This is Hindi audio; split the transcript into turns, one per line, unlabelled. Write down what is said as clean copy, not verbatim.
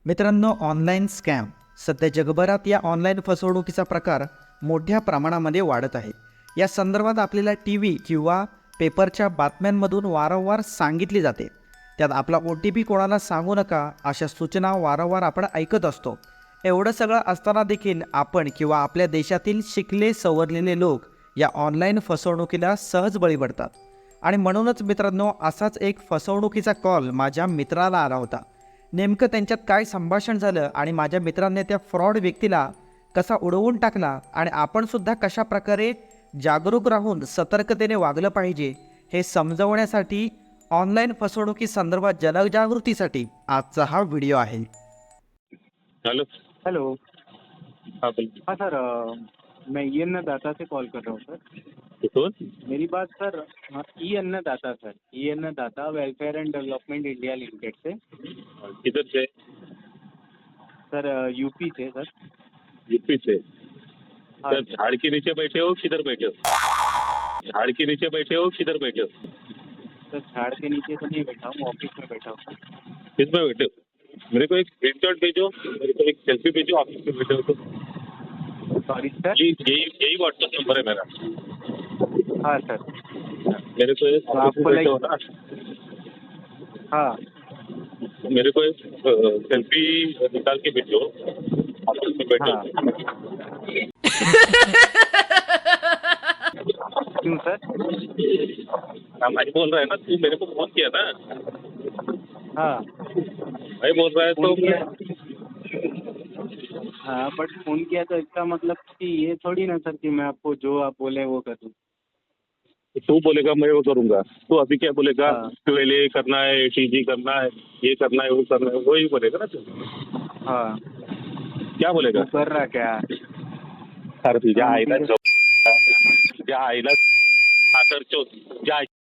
मित्रांनो, ऑनलाईन स्कॅम सध्या जगभरात या ऑनलाईन फसवणुकीचा प्रकार मोठ्या प्रमाणामध्ये वाढत आहे. या संदर्भात आपल्याला टी व्ही किंवा पेपरच्या बातम्यांमधून वारंवार सांगितली जाते. त्यात आपला OTP कोणाला सांगू नका अशा सूचना वारंवार आपण ऐकत असतो. एवढं सगळं असताना देखील आपण किंवा आपल्या देशातील शिकले सवरलेले लोक या ऑनलाईन फसवणुकीला सहज बळी पडतात. आणि म्हणूनच मित्रांनो, असाच एक फसवणुकीचा कॉल माझ्या मित्राला आला होता. नेमकं त्यांच्यात काय संभाषण झालं आणि माझ्या मित्रांनी त्या फ्रॉड व्यक्तीला कसा उडवून टाकला आणि आपण सुद्धा कशा प्रकारे जागरूक राहून सतर्कतेने वागलं पाहिजे हे समजवण्यासाठी ऑनलाईन फसवणुकी संदर्भात जनजागृतीसाठी आजचा हा व्हिडिओ आहे.
हेलो.
हेलो.
हाँ बोल.
हाँ सर, मैं ई अन्नदाता से कॉल कर रहा हूँ सर.
कौन?
मेरी बात सर, हाँ, ई अन्नदाता सर, ई Annadata welfare and development India limited से.
किधर से?
सर यूपी से सर.
यूपी से.
हाँ
सर, झाड़ के नीचे बैठे हो किधर बैठे हो? झाड़ के नीचे बैठे हो किधर बैठे हो?
सर, झाड़ के नीचे तो नहीं बैठा हूँ, ऑफिस में बैठा हूँ.
किस में बैठे हो? मेरे को एक स्क्रीनशॉट भेजो, मेरे को एक सेल्फी भेजो, ऑफिस में बैठे हो तो.
Sorry sir.
यही व्हाट्सएप नंबर है मेरा.
हाँ सर.
मेरे को एक
तो
ऑफिस
आपको
में बैठे हो ना,
हाँ.
मेरे को एक सेल्फी निकाल के भेजो, ऑफिस में बैठे
हाँ.
हो.
क्यों सर?
हाँ, भाई बोल रहा है ना, तू मेरे को फोन किया ना.
हाँ.
भाई बोल रहा है तो
फोन किया. हाँ, बट फोन किया तो इसका मतलब कि ये थोड़ी ना सर कि मैं आपको जो आप बोले वो कर दूँ.
तू बोलेगा मैं वो करूंगा. तू अभी क्या बोलेगा?
हाँ.
12A करना है, TG करना है, ये करना है, वो करना है, वही बोलेगा ना तू.
हाँ.
क्या बोलेगा?
तू कर रहा क्या?
अरे तुझ्या
हाँ,
आईला
ठीक है.
तुझ्या आईला साखर चोत.